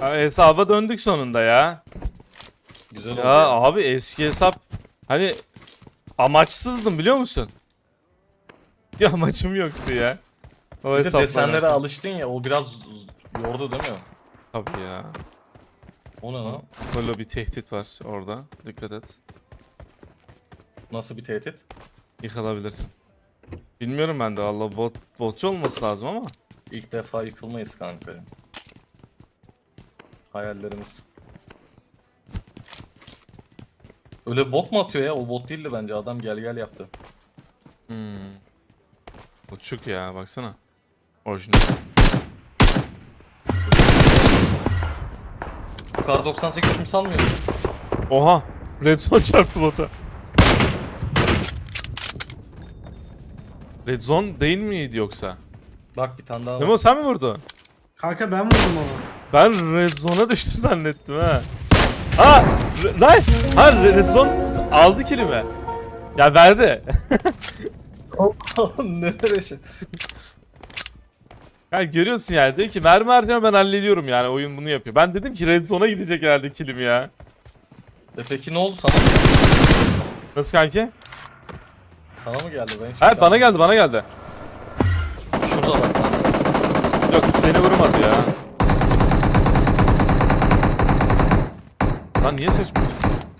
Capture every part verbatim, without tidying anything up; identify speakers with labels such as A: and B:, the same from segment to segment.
A: Ha, hesaba döndük sonunda ya.
B: Güzel oldu.
A: Ya abi eski hesap hani amaçsızdım biliyor musun? Bir amacım yoktu ya. O
B: Bir de
A: hesapla
B: desenlere
A: alakalı.
B: alıştın ya, o biraz yordu değil mi?
A: Tabii ya.
B: O ne lan?
A: Böyle bir tehdit var orada. Dikkat et.
B: Nasıl bir tehdit?
A: Yıkılabilirsin. Bilmiyorum ben de valla bot, botçu olması lazım ama.
B: İlk defa yıkılmayız kanka. Hayallerimiz. Öyle bot mu atıyor ya? O bot değildi bence. Adam gel gel yaptı.
A: Hmm. Botçuk ya baksana. Orijinal.
B: Bu kar doksan sekiz kim sanmıyor?
A: Oha! Red Zone çarptı bota. Red Zone değil miydi yoksa?
B: Bak bir tane daha var.
A: Memo sen mi vurdun?
C: Kanka ben vurdum onu.
A: Ben Red Zone'a düştü zannettim ha. Ha! Re- Lan! Ha Red Zone aldı kilimi. Ya verdi.
B: Nereye şey?
A: Ya görüyorsun yani dedi ki mermi harcama ben hallediyorum yani oyun bunu yapıyor. Ben dedim ki Red Zone'a gidecek herhalde kilim ya.
B: E peki ne oldu sana?
A: Nasıl kanki?
B: Sana mı geldi? Ben hiç
A: Hayır bana geldi bana geldi.
B: Şurada bak.
A: Yok seni vurmadı ya. Lan niye seçmiyorsun?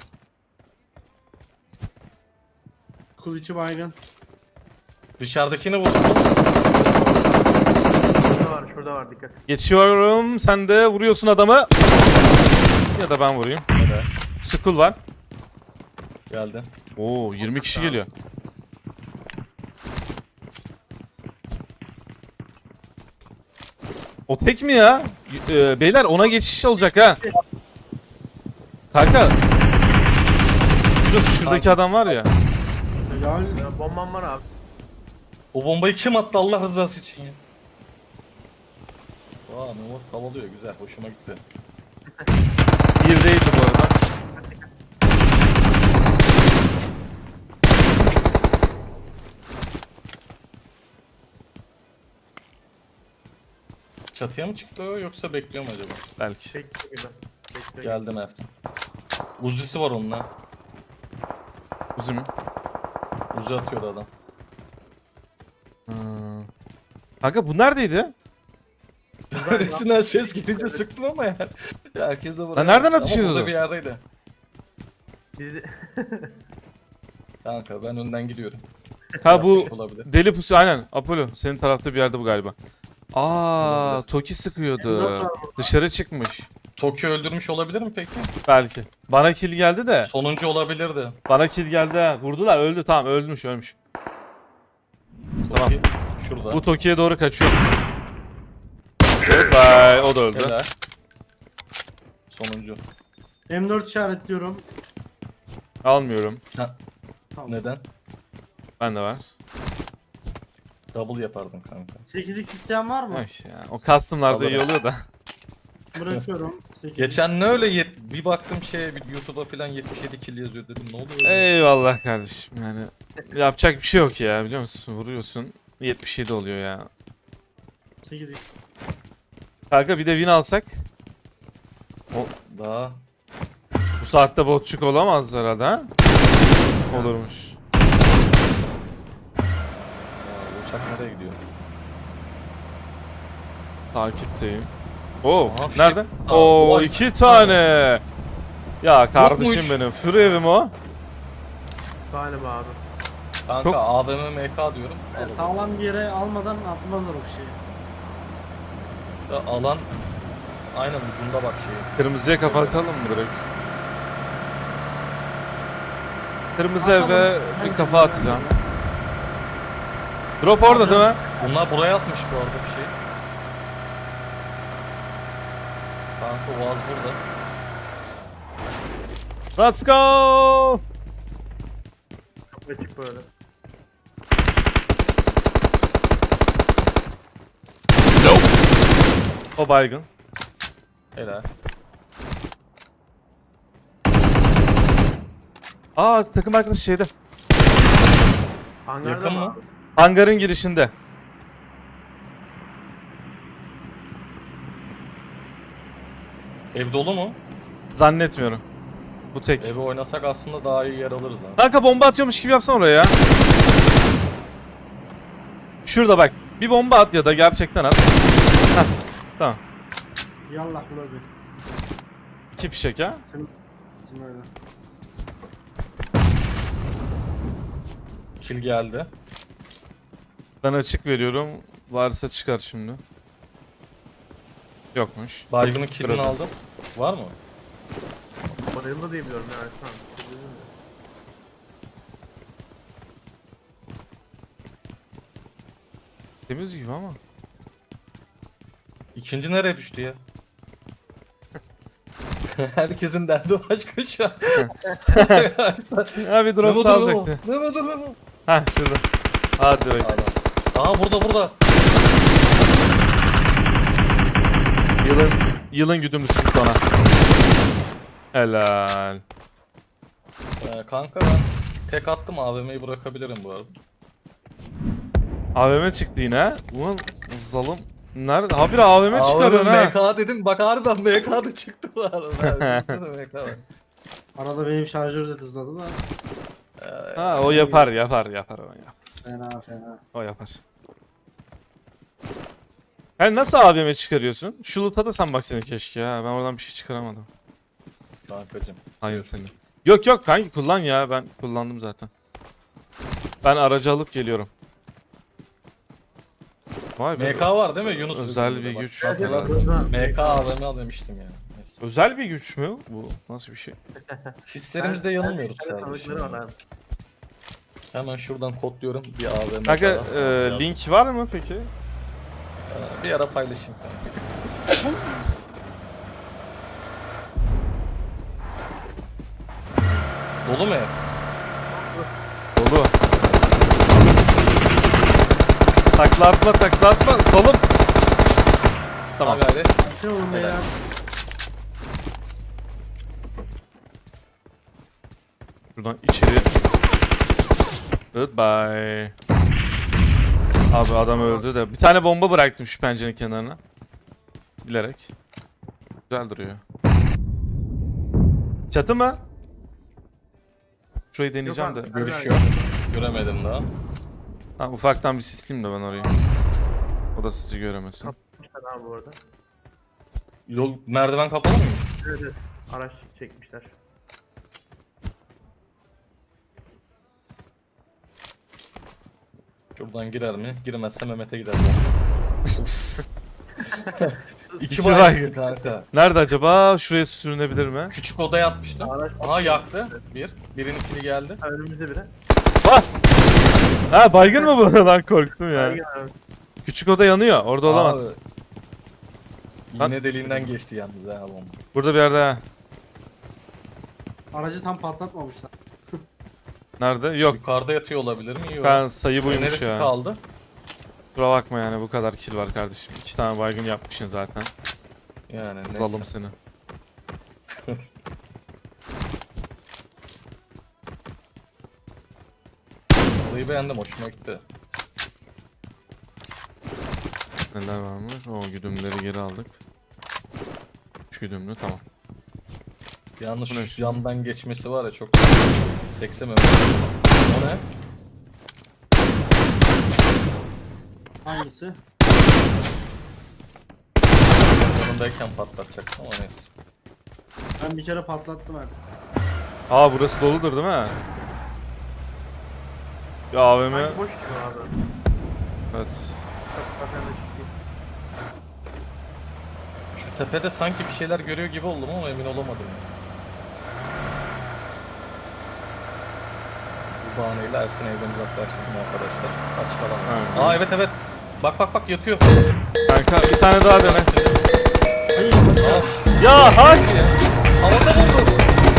C: Kuluçu baygın.
B: Dışarıdakini vurdun.
D: Şurada var, şurada var, dikkat.
A: Geçiyorum sen de vuruyorsun adamı. Ya da ben vurayım.
B: Evet.
A: Skull var.
B: Geldi.
A: Oo yirmi kişi geliyor. O tek mi ya? Ee, beyler ona geçiş olacak ha. Kanka. Şurası, şuradaki adam var ya.
C: Helal.
D: Ya, bombam var abi.
B: O bombayı kim attı Allah rızası için ya? Vaa Memo tavalıyor güzel hoşuma gitti.
A: Birdeydi bu arada.
B: Çatıya mı çıktı o yoksa bekliyor mu acaba?
A: Belki.
D: Bekle gibi. Bekle.
B: Geldi Mert. Uzisi var onunla.
A: Uzun mu?
B: Uzi atıyordu adam.
A: Hmm. Kanka bu neredeydi?
B: Neresinden ses gidince sıktın ama ya. Ya herkes de buraya.
A: nereden
B: Ama
A: atışıyordu?
B: burada bir yerdeydi.
D: Bizi...
B: Kanka ben önden gidiyorum.
A: Ha bu
B: Yapmış olabilir.
A: deli pusu aynen. Apollo senin tarafta bir yerde bu galiba. Aa,
B: Olabilir.
A: Toki sıkıyordu. Dışarı çıkmış.
B: Tokyo öldürmüş olabilir mi peki?
A: Belki. Bana kill geldi de.
B: Sonuncu olabilirdi.
A: Bana kill geldi ha. Vurdular öldü tamam ölmüş ölmüş. Tamam.
B: Toki şurada.
A: Bu Toki'ye doğru kaçıyor. Bye. O da öldü.
B: Helal. Sonuncu.
C: M dört işaretliyorum.
A: Almıyorum.
C: Tamam.
B: Neden?
A: Ben de var.
B: Double yapardın kanka.
C: sekiz x isteyen var mı?
A: Ay ya. O custom'larda iyi
B: Alırım.
A: oluyor da.
C: Bırakıyorum. sekiz x.
B: Geçen ne öyle yet bir baktım şeye bir YouTube'a falan yetmiş yedi kill yazıyor dedim ne oluyor? öyle?
A: Eyvallah kardeşim yani. Yapacak bir şey yok ya biliyor musun? Vuruyorsun. yetmiş yedi oluyor ya.
C: sekiz x.
A: Kanka bir de win alsak.
B: Daha
A: Bu saatte botçuk olamaz herhalde ha? Olurmuş.
B: Aa, uçak nereye gidiyor?
A: Takipteyim. Oo,
B: Aha, fişek-
A: nerede?
B: Aa,
A: Oo,
B: vay.
A: iki tane. Ya kardeşim
B: Yokmuş.
A: benim. Free evim o.
D: Galiba abi.
B: Kanka
A: Çok-
B: A V M M K diyorum.
C: Yani sağlam bir yere almadan atmazlar o şeyi.
B: Ya alan aynen ucunda bak şeyi.
A: Kırmızıya kafa atalım mı direkt? Kırmızı
C: Atalım.
A: eve bir
C: Bence
A: kafa
C: de.
A: atacağım. Drop orada değil mi?
B: Bunlar buraya atmış bu arada bir şey. Kanka Oğaz burada.
A: Let's go!
D: Açık böyle.
A: O baygın.
B: Helal.
A: Aa takım arkadaşı şeyde.
D: Hangarda
B: Yakın
D: mı?
B: mı?
D: abi?
A: Hangarın girişinde.
B: Ev dolu mu?
A: Zannetmiyorum. Bu tek.
B: Evi oynasak aslında daha iyi yer alırız ha.
A: Kanka bomba atıyormuş gibi yapsana oraya ya. Şurada bak. Bir bomba at ya da gerçekten at. Heh, tamam.
C: Yallah bula bir.
A: İki fişek ha.
C: Sen, sen öyle.
B: Kill geldi.
A: Ben açık veriyorum. Varsa çıkar şimdi. Yokmuş.
B: Baygın'ın killini
A: Kırıldı.
B: aldım. Var mı?
D: Bayıldı diye biliyorum yani. Tamam.
A: Temiz gibi ama.
B: İkinci nereye düştü ya? Herkesin derdi başka şu an. Arkadaşlar.
A: Ha bir drop
B: Memo
A: da
B: dur Memo.
A: alacaktı.
B: Memo dur Memo.
A: Ha şurada. Hadi bakayım.
B: Adam. Aha burada burada.
A: Yılın yılın güdümlüsü çıktı ona. Helal.
B: Ee, kanka ben tek attım A V M'yi bırakabilirim bu arada.
A: A V M çıktı yine. Ulan zalim. Nerede? Ha bir A V M çıkarıyorsun ha.
B: M K dedim bak harbiden M K da çıktı bu arada. M K var.
C: Arada benim şarjör de hızladı da.
B: Ee,
A: Ha o yapar yapar yapar o yap.
C: Fena fena.
A: O yapar. Yani nasıl A V M çıkarıyorsun? Şu loot'a da sen bak seni keşke ya. Ben oradan bir şey çıkaramadım.
B: Kankacım.
A: Hayır seni. Yok yok kanki kullan ya. Ben kullandım zaten. Ben aracı alıp geliyorum. Vay be.
B: M K var değil mi Yunus?
A: Özel
B: Üzerinde
A: bir
B: bak.
A: güç.
B: Hatırlarsın. M K A V M al demiştim yani. Neyse.
A: Özel bir güç mü? Bu nasıl bir şey?
B: Hislerimizde yanılmıyoruz
D: Ben-
B: kardeşim.
D: tanıdıkları var abi.
B: Hemen şuradan kodluyorum bir A V M.
A: Kanka
B: daha.
A: e, link var mı peki?
B: Ee, Bir ara paylaşayım kanka. Dolu mu ev?
A: Dolu. Takla atma takla atma. Solum. Tamam.
B: Abi hadi.
C: Ne oğlum
B: Helal.
C: ya?
A: Şuradan içeri. Goodbye. Abi adam öldü de. Bir tane bomba bıraktım şu pencerenin kenarına. Bilerek. Güzel duruyor. Çatı mı? Şurayı deneyeceğim de.
D: abi.
B: Görüşüyor. Göremedim daha.
A: Ha, ufaktan bir sisleyeyim de ben orayı. O da sizi göremesin.
D: Kapatmışlar abi bu arada.
B: Yol merdiven kapalı mı?
D: Evet evet. Araç çekmişler.
B: Şuradan girer mi? Girmezse Mehmet'e gider. İki
A: İki
B: baygın kanka.
A: Nerede acaba? Şuraya sürünebilir mi?
B: Küçük odaya atmıştım.
D: Araç
B: Aha yaktı. Bir. Birinin ikili geldi.
D: Ha, önümüzde biri.
A: Ha baygın mı bu? Lan korktum ya.
D: Baygın abi.
A: Küçük oda yanıyor. Orada olamaz.
B: Abi, İğne deliğinden geçti yalnız ha bomba.
A: Burada bir yerde ha.
C: Aracı tam patlatmamışlar.
A: Nerede? Yok.
B: Yukarıda yatıyor olabilir mi? Yok.
A: Ben sayı buymuş
B: Neresi
A: ya.
B: kaldı?
A: Kusura bakma yani bu kadar kill var kardeşim. İki tane baygın yapmışsın zaten.
B: Yani neyse.
A: Zalım seni.
B: Olayı beğendim, hoşuma gitti.
A: Neler varmış? O güdümleri geri aldık. Üç güdümlü tamam.
B: Yalnız
A: Bu ne
B: şu
A: şimdi?
B: yandan geçmesi var ya çok seksememiş. O ne?
C: Hangisi?
B: Yanındayken patlatacaktım ama neyse.
C: Ben bir kere patlattım Ersin.
A: Aa burası doludur değil mi? Ya A V M.
D: Sanki boş gibi abi.
A: Evet.
D: Zaten de çıktı.
B: Şu tepede sanki bir şeyler görüyor gibi oldum ama emin olamadım. Bu bahaneyle Ersin evden uzaklaştırdım arkadaşlar. Kaç falan.
A: Evet.
B: Aa evet evet. Bak bak bak yatıyor.
A: Kanka bir tane daha dene.
C: Hayır,
B: Aa,
A: Ya hak!
B: havada buldu.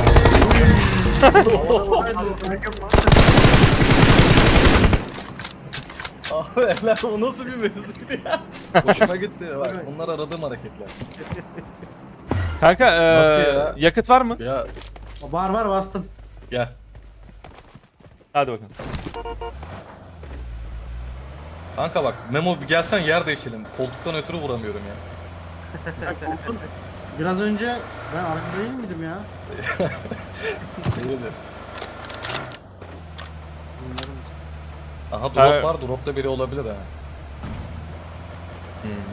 B: Abi eller o nasıl bir mevzuydu ya? Hoşuma gitti bak bunlar aradığım hareketler.
A: Kanka
B: Nasıl
A: eee
B: ya?
A: yakıt var mı?
B: Ya
C: var var bastım.
B: gel.
A: Hadi bakalım.
B: Kanka bak Memo bir gelsen yer değişelim. Koltuktan ötürü vuramıyorum ya.
C: Ya, koltuğun, Biraz önce ben arkada değil miydim ya?
B: İyiydi.
C: Bilmiyorum.
B: Aha drop
A: Ha.
B: var. Dropta biri olabilir ha.
A: Hmm.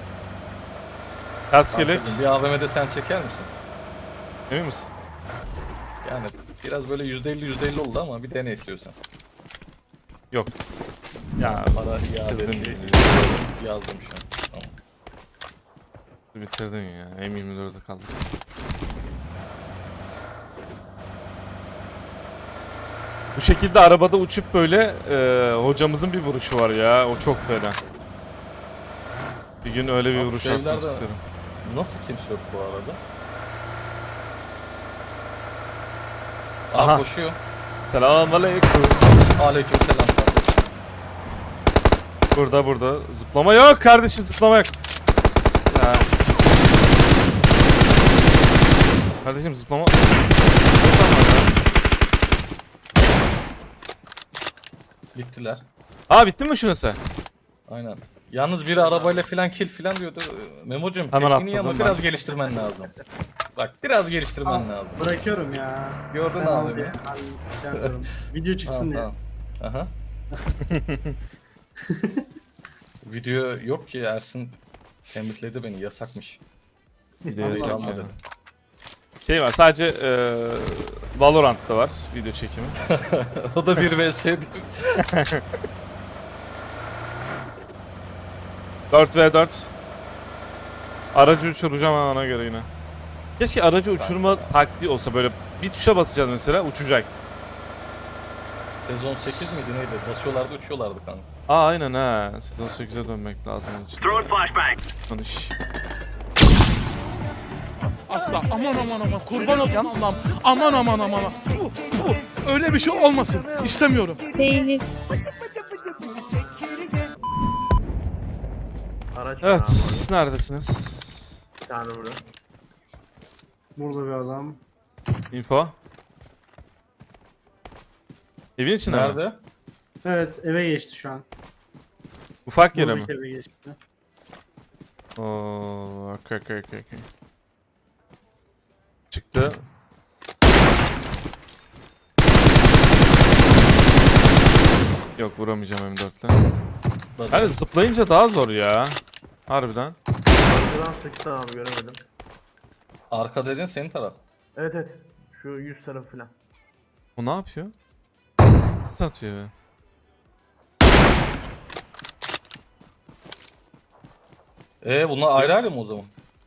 A: Kaç kelek?
B: Kankacığım, bir A V M'de sen çeker misin?
A: Emin misin?
B: Yani biraz böyle yüzde elli yüzde elli oldu ama bir dene istiyorsan.
A: Yok. Ya
B: Para iade
A: bitirdin
B: şey,
A: bizi.
B: yazdım şu an. Tamam.
A: Bitirdin ya. M yirmi dörde kaldı. Bu şekilde arabada uçup böyle e, hocamızın bir vuruşu var ya. O çok fena. Bir gün öyle bir
B: Abi
A: vuruş
B: şeyler
A: atmak
B: de-
A: istiyorum.
B: Nasıl kimse yok bu arada?
A: Aha.
B: Aha koşuyor.
A: Selamünaleyküm.
B: Aleykümselam.
A: Burada burada. Zıplama yok kardeşim, zıplama yok. Ya. Kardeşim zıplama.
B: Gittiler.
A: Aa bitti mi şurası?
B: Aynen. Yalnız biri arabayla filan kill filan diyordu. Memo'cum
A: Hemen
B: tekniği ama
A: atladım ben.
B: biraz geliştirmen lazım. Bak biraz geliştirmen
C: Al.
B: lazım.
C: Bırakıyorum ya.
B: Gördün
C: Sen
B: abi
C: al
B: beni.
C: diye. Ben şey yapıyorum. Video çıksın
B: Tamam,
C: diye.
B: tamam. Aha. Video yok ki Ersin tembihledi beni yasakmış.
A: Video
C: Allah
A: yasak
C: Allah.
A: yani. Şey var sadece e, Valorant'ta var video çekimi.
B: O da bir vs bir.
A: dört ve dört. Aracı uçuracağım ha ona göre yine. Keşke aracı uçurma taktiği olsa, böyle bir tuşa basacağız mesela uçacak.
B: Sezon sekiz miydi neydi? Basıyorlardı uçuyorlardı kanka.
A: Aa aynen ha. Sezon sekize dönmek lazım onun için.
E: Throwing flashbang.
A: Tanış.
F: Asla aman aman aman kurban olayım Allah'ım. Aman aman aman aman. Bu, bu, öyle bir şey olmasın. İstemiyorum.
G: Telif.
D: Araç var
A: Evet,
D: abi.
A: neredesiniz?
D: Bir tane burada.
C: Burada bir adam.
A: Info. Evin içinde mi?
B: Nerede?
C: Evet eve geçti şu an.
A: Ufak yere mi?
C: Buradaki eve geçti.
A: Oo, okey okey okey okey. Çıktı. Yok vuramayacağım M dörtle. Hani zıplayınca daha zor ya. Harbiden.
D: Arkadan sıktı abi göremedim.
B: Arka dedin senin taraf.
D: Evet evet. Şu yüz tarafı falan.
A: O ne yapıyor? Sis atıyor be.
B: Ee bunlar ayrı ayrı mı o zaman?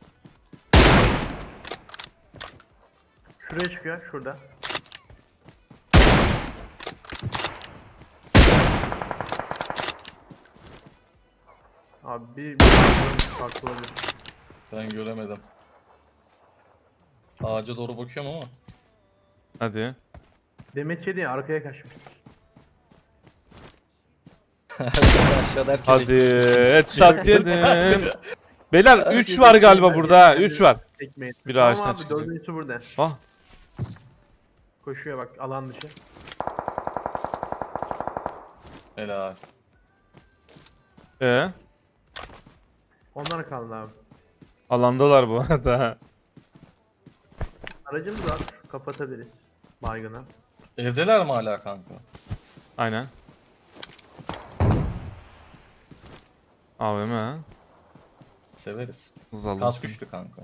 D: Şuraya çıkıyor şurada. Abi bir, bir farklı olabilir.
B: Ben göremedim. Ağaca doğru bakıyorum ama.
A: Hadi.
D: Demet yedi ya arkaya kaçmış.
B: Aşağıda herkes
A: Hadi. Headshot yedim. Beyler üç var galiba burada. üç var.
D: Tekmeyi.
A: Bir
D: Tamam
A: ağaçtan
D: abi,
A: çıkacak.
D: dördüncüsü burada.
A: Ah.
D: Koşuyor bak alan dışı.
B: Helal.
A: Ee,
D: Onlar kaldı abi.
A: alandalar bu arada.
D: Aracımız var. Kapatabiliriz. Baygına.
B: Evdeler mi hala kanka?
A: Aynen. A V M ha.
B: Severiz.
A: Hız aldım
B: Kas
A: seni.
B: güçlü kanka.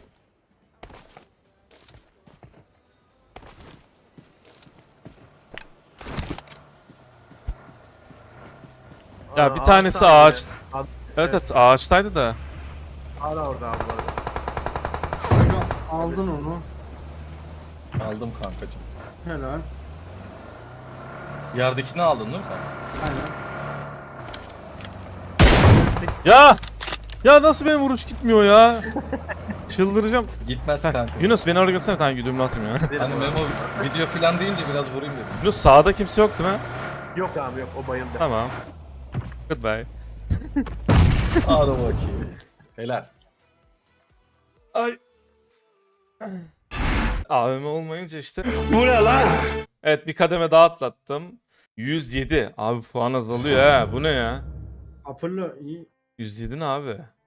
A: Ya
D: Aa,
A: bir tanesi
D: tane.
A: ağaç.
D: Ad-
A: Evet evet ağaçtaydı da.
D: Hala orada abi bu arada.
C: Kanka, aldın onu.
B: Aldım kankacım.
C: Helal.
B: Yerdekini aldın değil mi sen?
C: Aynen.
A: Ya! Ya nasıl benim vuruş gitmiyor ya? Çıldıracağım.
B: Gitmez
A: Heh,
B: kanka.
A: Yunus beni oraya götürsene, bir tane güdümlü atayım ya.
B: Hani Memo video filan deyince biraz vurayım dedim.
A: Yunus sağda kimse yok değil mi?
D: Yok abi yok o bayıldı.
A: Tamam. Goodbye.
B: Hadi bakayım. Helal.
A: Ay. A V M olmayınca işte. Bu ne lan? Evet bir kademe daha atlattım. yüz yedi. Abi puan azalıyor ha. Bu ne ya?
C: Apollo iyi.
A: yüz yedi ne abi?